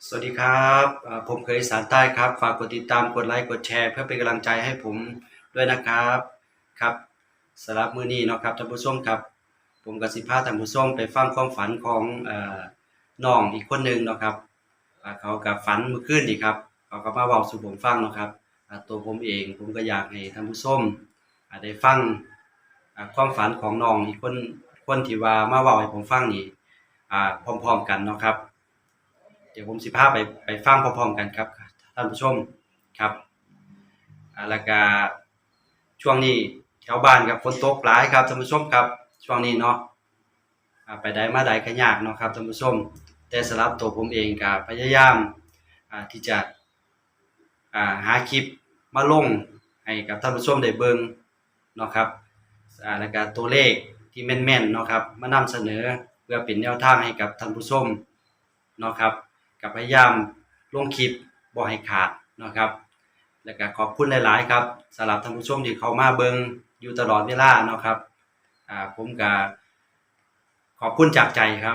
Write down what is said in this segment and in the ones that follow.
สวัสดีครับผมเคยอีสานใต้ครับฝากกดติดตามกดไลค์กดแชร์เพื่อเป็นกำลังใจให้ผมด้วยนะครับครับสำหรับมื้อนี้เนาะครับท่านผู้ชมครับผมกับสิพาท่านผู้ชมไปฟังความฝันของน้องอีกคนหนึ่งเนาะครับเขากับฝันเมื่อคืนนี่ครับเขาก็มาเว้าสู่ผมฟังเนาะครับตัวผมเองผมก็อยากให้ท่านผู้ชมได้ฟังความฝันของน้องอีกคนที่ว่ามาเว้าให้ผมฟังนี่พร้อมๆกันเนาะครับ เดี๋ยวผมสิพาไปฟังพร้อมๆกันครับท่านผู้ชมครับแล้วก็ช่วงนี้แถวบ้านครับฝนตกหลายครับท่านผู้ชมครับช่วงนี้เนาะไปใดมาใดก็ยากเนาะครับท่านผู้ชมแต่สำหรับตัวผมเองก็พยายามที่จะหาคลิปมาลงให้กับท่านผู้ชมได้เบิ่งเนาะครับแล้วก็ตัวเลขที่แม่นๆเนาะครับมานำเสนอเพื่อเป็นแนวทางให้กับท่านผู้ชมเนาะครับก็พยายามลงคลิปบ่ให้ขาดเนาะครับแล้วก็ขอบคุณหลายๆครับสำหรับท่านผู้ชมที่เข้ามาเบิ่งอยู่ตลอดเวลาเนาะครับผมก็ขอบคุณจากใจครับ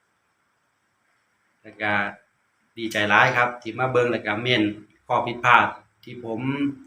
แล้วก็ดีใจหลายครับที่มาเบิ่งแล้วก็เม่นข้อผิดพลาดที่ผม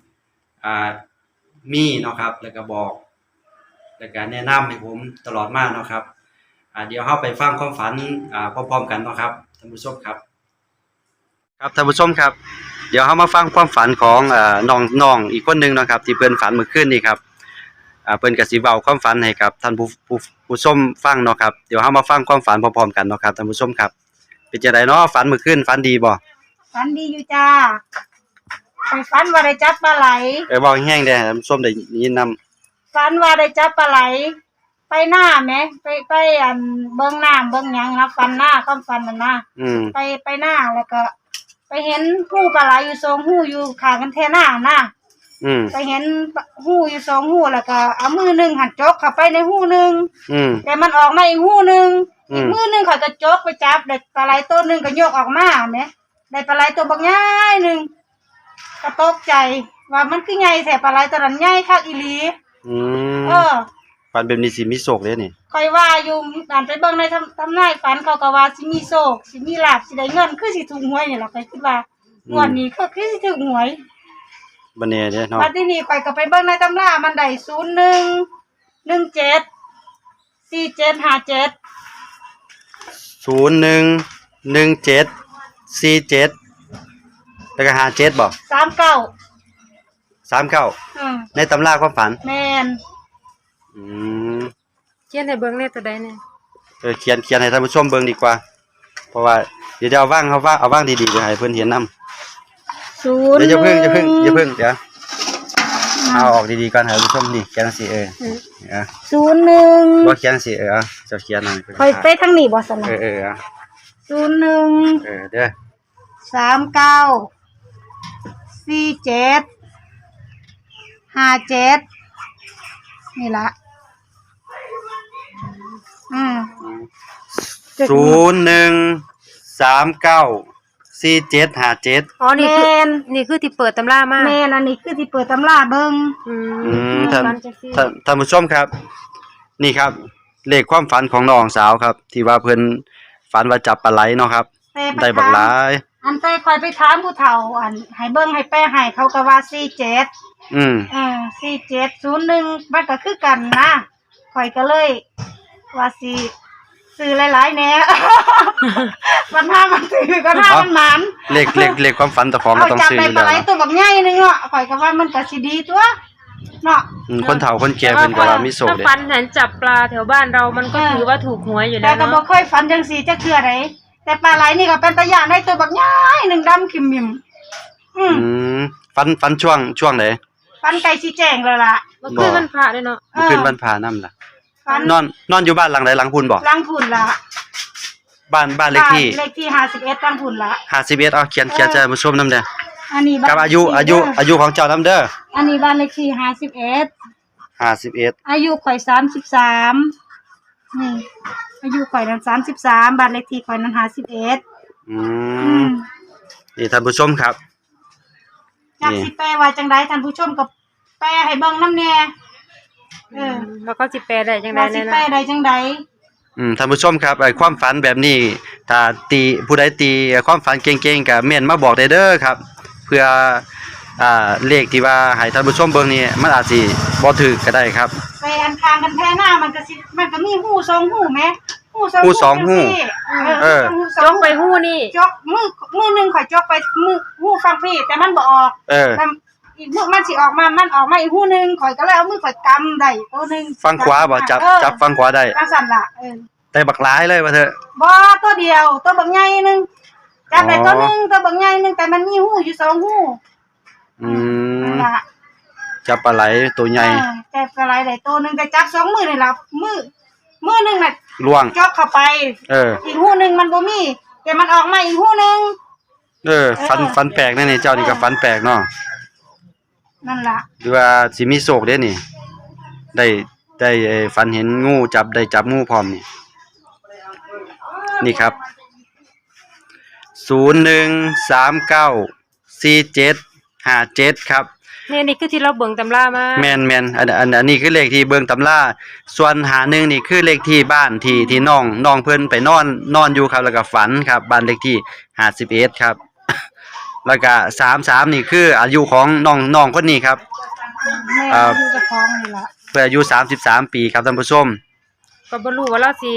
มีเนาะครับแล้วก็บอกแล้วก็แนะนำให้ผมตลอดมาเนาะครับเดี๋ยวเราไปฟังความฝันพร้อมๆกันเนาะครับท่านผู้ชมครับครับท่านผู้ชมครับเดี๋ยวเรามาฟังความฝันของน้องอีกคนหนึ่งเนาะครับที่เพิ่นฝันเมื่อคืนนี้ครับเพิ่นก็สิเว้าความฝันให้กับท่านผู้ชมฟังเนาะครับเดี๋ยวเรามาฟังความฝันพร้อมๆกันเนาะครับท่านผู้ชมครับเป็นจังไดเนาะฝันเมื่อคืนฝันดีบ่ฝันดีอยู่จ้าไปฝันว่าได้จับปลาไหลเว้าแห้งๆเด้อท่านผู้ชมได้ยินนำฝันว่าได้จับปลาไหลไปหน้าแหมไปอันเบิ่งน้ำเบิ่งหยังนะฝันหน้าความฝันนั่นนะไปหน้าแล้วก็ไปเห็นหู้ปลาไหลอยู่2หู้อยู่ข้างกันแท่หน้านะไปเห็นหู้อยู่2หู้แล้วก็เอามือหนึงหันจกเข้าไปในหู้หนึงแต่มันออกมาอีกหู้หนึงอีกมือหนึงเขาก็จกไปจับได้ปลาไหลตัวหนึงก็ยกออกมาแหมได้ปลาไหลตัวบักใหญ่นึงก็ตกใจว่ามันคือใหญ่แท้ปลาไหลตัวนั้นใหญ่คักอีหลีฝันแบบนี้สิมีโชคเด้นี่ค่อยว่าอยู่การไปเบิ่งในทำนายฝันเขาก็ว่าสิมีโชคสิมีลาภสิได้เงินคือสิถูกหวยนี่ล่ะข้อยคิดว่างวดนี้คือสิถูกหวยบ่แน่เด้เนาะบัดนี้ข้อยก็ไปเบิ่งในตำรามันได้0117 4757 011747แล้วก็57บ่39ในตำราความฝันแม่นเขียนให้เบิ่งแน่ตัวใดแน่เขียนให้ท่านผู้ชมเบิ่งดีกว่าเพราะว่าเดี๋ยวเอาวางดีๆเดี๋ยวให้เพิ่นเห็นนำเดี๋ยวอย่าเพิ่งเดี๋ยวเอาออกดีๆก่อนให้ท่านผู้ชมนี่เขียนจังซี่ 01 บ่เขียนจังซี่เจ้าเขียนหน่อยค่อยไปทางนี้บ่ซั่นน่ะ01 เด้อ 39 47 57นี่ล่ะ 01394757 อ๋อนี่คือที่เปิดตำรามาแม่นอันนี้คือที่เปิดตำราเบิ่งท่านผู้ชมครับนี่ครับเลขความฝันของน้องสาวครับที่ว่าเพิ่นฝันว่าจับปลาไหลเนาะครับได้บักหลายอันไปค่อยไปถามผู้เฒ่าอันให้เบิ่งให้แปลให้เขาก็ว่า474701มันก็คือกันนะข่อยก็เลยว่าสิซื้อหลายๆแหน่มันถ้ามันซื้อก็ถ้ามันหมานเลขความฝันเจ้าของก็ต้องซื้ออยู่แล้วจับได้ปลาไหลตัวบักใหญ่นึงเนาะข่อยก็ว่ามันก็สิดีตัวเนาะคนเฒ่าคนแก่เพิ่นก็ว่ามีโชคเด้ถ้าฝันเห็นจับปลาแถวบ้านเรามันก็ถือว่าถูกหวยอยู่แล้วแต่ก็บ่เคยฝันจังซี่จักเทื่อใดแต่ปลาไหลนี่ก็เป็นตาย่านได้ตัวบักใหญ่นึงดำขิมมิมฝันช่วงไหนฝันไก่สิแจ้งแล้วล่ะบ่คือวันพระด้วยเนาะบ่คือวันพระนำล่ะนอนอยู่บ้านหลังใดหลังพุ่นบ่หลังพุ่นล่ะบ้านเลขที่ 51หลังพุ่นล่ะ 51เอาเขียนจะมาชมนำเด้ออันนี้กับอายุของเจ้านำเด้ออันนี้บ้านเลขที่51อายุข่อย33นี่อายุข่อยนั้น33บ้านเลขที่ข่อยนั้น51 นี่ท่านผู้ชมครับจักสิแปลว่าจังได๋ท่านผู้ชมก็แปลให้เบิ่งนำแน่แล้วก็สิแปลได้จังได๋แน่นะสิแปลได้จังได๋ท่านผู้ชมครับความฝันแบบนี้ถ้าตีผู้ใดตีความฝันเก่งๆก็เม่นมาบอกได้เด้อครับ เพื่อเลขที่ว่าให้ท่านผู้ชมเบิ่งนี่มันอาจสิบ่ถูกก็ได้ครับไปอันทางกันแพ้หน้ามันก็มีหูสองหูแหมหูสองหูสองหูเออจกไปหู้นี่จกมือหนึงข่อยจกไปมือหูฟังพี่แต่มันบ่ออกเออแต่อีกมือมันสิออกมามันออกมาอีกหูหนึงข่อยก็เลยเอามือข่อยกำได้ตัวหนึงฟังขวาบ่จับฟังขวาได้จังซั่นล่ะแต่บักหลายเลยว่าเถอะบ่ตัวเดียวตัวบักใหญ่หนึงจับได้ตัวหนึงตัวบักใหญ่หนึงแต่มันมีหูอยู่สองหู นั่นล่ะจับปลาไหลตัวใหญ่จับอะไรได้ตัวหนึงแต่จับสองมือนี่ล่ะมือหนึงน่ะล่วงจกเข้าไป อีกหูหนึงมันบ่มีแต่มันออกมาอีกหูหนึงฟันแปลกแน่นี่เจ้านี่ก็ฟันแปลกเนาะนั่นล่ะหรือว่าสิมีโชคเด้นี่ ได้ฝันเห็นงูจับงูพร้อมนี่ นี่ครับ 01394757ครับนี่คือที่เราเบิ่งตำรามาแม่นอันนี้คือเลขที่เบิ่งตำราส่วน51นี่คือเลขที่บ้านที่น้องเพิ่นไปนอนอยู่ครับแล้วก็ฝันครับบ้านเลขที่51ครับ แล้วก็33นี่คืออายุของน้องคนนี้ครับแม่ที่จะฟ้องนี่ล่ะเพิ่นอายุ33ปีครับท่านผู้ชมก็บ่รู้ว่าเราสิ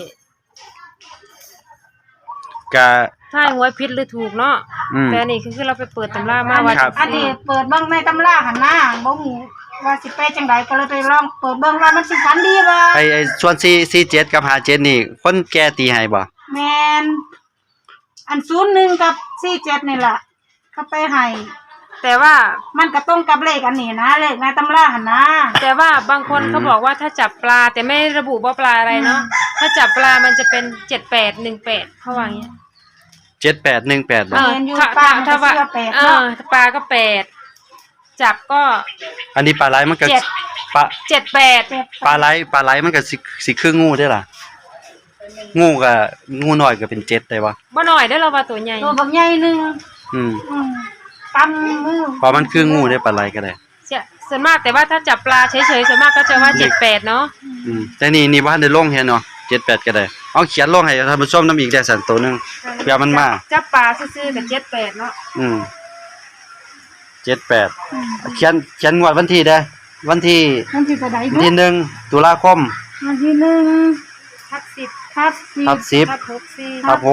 ก็ทายหวยผิดหรือถูกเนาะแต่นี่คือเราไปเปิดตำรามาว่าอันนี้เปิดเบิ่งในตำราหั่นน่ะบ่ฮู้ว่าสิไปจังไดก็เลยไปลองเปิดเบิ่งว่ามันสิฝันดีบ่ไอ้ส่วน47กับ57นี่คนแก่ตีให้บ่แม่นอัน01กับ47นี่ล่ะเขาไปให้แต่ว่ามันก็ตรงกับเลขอันนี้นะเลขในตำราหั่นนะแต่ว่าบางคนเขาบอกว่าถ้าจับปลาแต่ไม่ระบุว่าปลาอะไรเนาะถ้าจับปลามันจะเป็น7818เขาว่าอย่างเงี้ย 7818บ่เห็นอยู่ป้ามันก็เชื่อแปดเนาะปลาก็8จับก็อันนี้ปลาไหลมันก็ 7 ปลา 78 ปลาไหลมันก็สิคืองูได้ล่ะงูน้อยก็เป็น7ได้บ่บ่น้อยเด้อเราว่าตัวใหญ่ตัวบักใหญ่หนึงอืมตำมือเพราะมันคืองูได้ปลาไหลก็ได้ส่วนมากแต่ว่าถ้าจับปลาเฉยๆส่วนมากก็จะว่า78เนาะแต่นี่บ่ทันได้ลงเฮ็ดเนาะ78ก็ได้เอาเขียนลงให้ท่านผู้ชมนำอีกได้สั่นตัวนึงเพื่อมันมาจับปลาซื่อๆก็78เนาะ 78เขียนงวดวันที่เด้อวันที่มันสิจะได้วันที่1ตุลาคมวันที่1 ทับ10 ทับทับ10 ทับ64 ครับ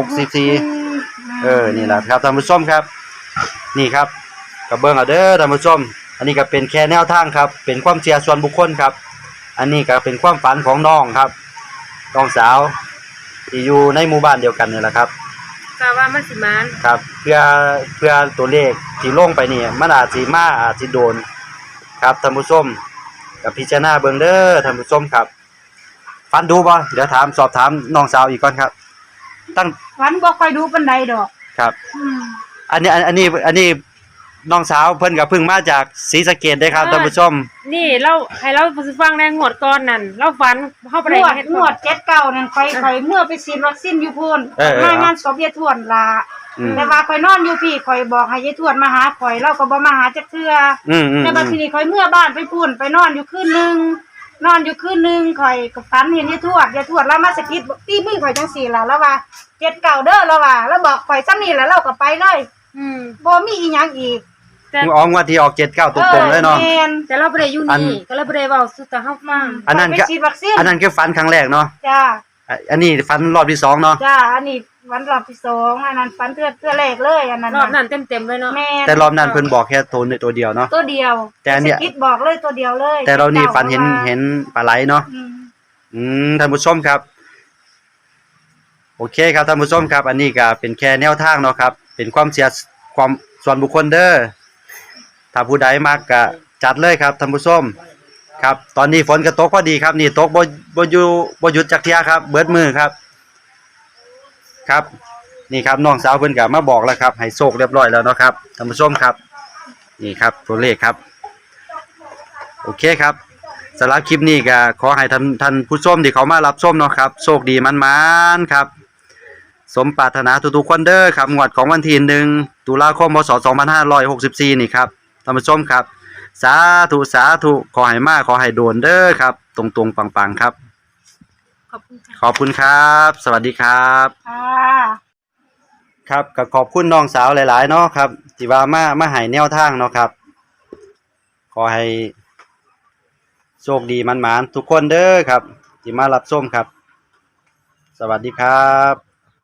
64นี่ล่ะครับท่านผู้ชมครับ นี่ครับก็เบิ่งเอาเด้อท่านผู้ชม อันนี้ก็เป็นแค่แนวทางครับ เป็นความเชื่อส่วนบุคคลครับ อันนี้ก็เป็นความฝันของน้องครับน้องสาวที่อยู่ในหมู่บ้านเดียวกันนี่แหละครับก็ว่ามันสิมานครับ เพื่อตัวเลขที่ลงไปนี่มันอาจสิมาอาจสิโดนครับท่านผู้ชมก็พิจารณาเบิ่งเด้อท่านผู้ชมครับฝันดูบ่เดี๋ยวสอบถามน้องสาวอีกก่อนครับตั้งวันบ่ค่อยดูปานใดดอกครับ อันนี้น้องสาวเพิ่นก็เพิ่งมาจากศรีสะเกษได้ครับท่านผู้ชมนี่เราให้เราฟังในงวดก่อนนั่นเราฝันเฮาบ่ได้เฮ็ดงวด79นั่นค่อยเมื่อไปฉีดวัคซีนอยู่พุ่นมางานศพยายทวดล่ะแต่ว่าข่อยนอนอยู่พี่ข่อยบอกให้ยายทวดมาหาข่อยเราก็บ่มาหาจักเทื่อแต่บัดทีนี้ข่อยเมื่อบ้านไปพุ่นไปนอนอยู่คืนนึงข่อยก็ฝันเห็นยายทวดแล้วมาสะกิดตีมือข่อยจังซี่ล่ะแล้วว่า79เด้อแล้วว่าแล้วบอกข่อยซ้ำนี่แล้วเราก็ไปเลยบ่มีอีหยังอีกออกว่าที่ออก79ตรงๆเลยเนาะแต่เราบ่ได้อยู่นี่ก็เลยบ่ได้เว้าสู่ตาเฮาฟังอันนั้นคือฝันครั้งแรกเนาะจ้าอันนี้ฝันรอบที่2เนาะจ้าอันนี้วันรอบที่2อันนั้นฝันเทื่อแรกเลยอันนั้นรอบนั้นเต็มๆเลยเนาะแต่รอบนั้นเพิ่นบอกแค่ตัวเดียวเนาะตัวเดียวแต่อันเนี้ยคิดบอกเลยตัวเดียวเลยแต่เรานี่ฝันเห็นปลาไหลเนาะท่านผู้ชมครับโอเคครับท่านผู้ชมครับ อันนี้ก็เป็นแค่แนวทางเนาะครับเป็นความเชื่อความส่วนบุคคลเด้อถ้าผู้ใดมักก็จัดเลยครับท่านผู้ชมครับตอนนี้ฝนก็ตกพอดีครับนี่ตกบ่หยุดจักเที่ยครับเบิดมือครับครับนี่ครับน้องสาวเพิ่นก็มาบอกแล้วครับให้โชคเรียบร้อยแล้วเนาะครับท่านผู้ชมครับนี่ครับตัวเลขครับโอเคครับสำหรับคลิปนี้ก็ขอให้ท่านผู้ชมที่เขามารับชมเนาะครับโชคดีมันๆครับสมปรารถนาทุกๆคนเด้อครับงวดของวันที่1ตุลาคมพศ2564นี่ครับท่านผู้ชมครับสาธุขอให้มาขอให้โดนเด้อครับตรงๆปังๆครับขอบคุณค่ะขอบคุณครับ สวัสดีครับค่ะครับก็ขอบคุณน้องสาวหลายๆเนาะครับที่ว่ามาให้แนวทางเนาะครับ ขอให้โชคดีมันๆทุกคนเด้อครับที่มารับชมครับ สวัสดีครับ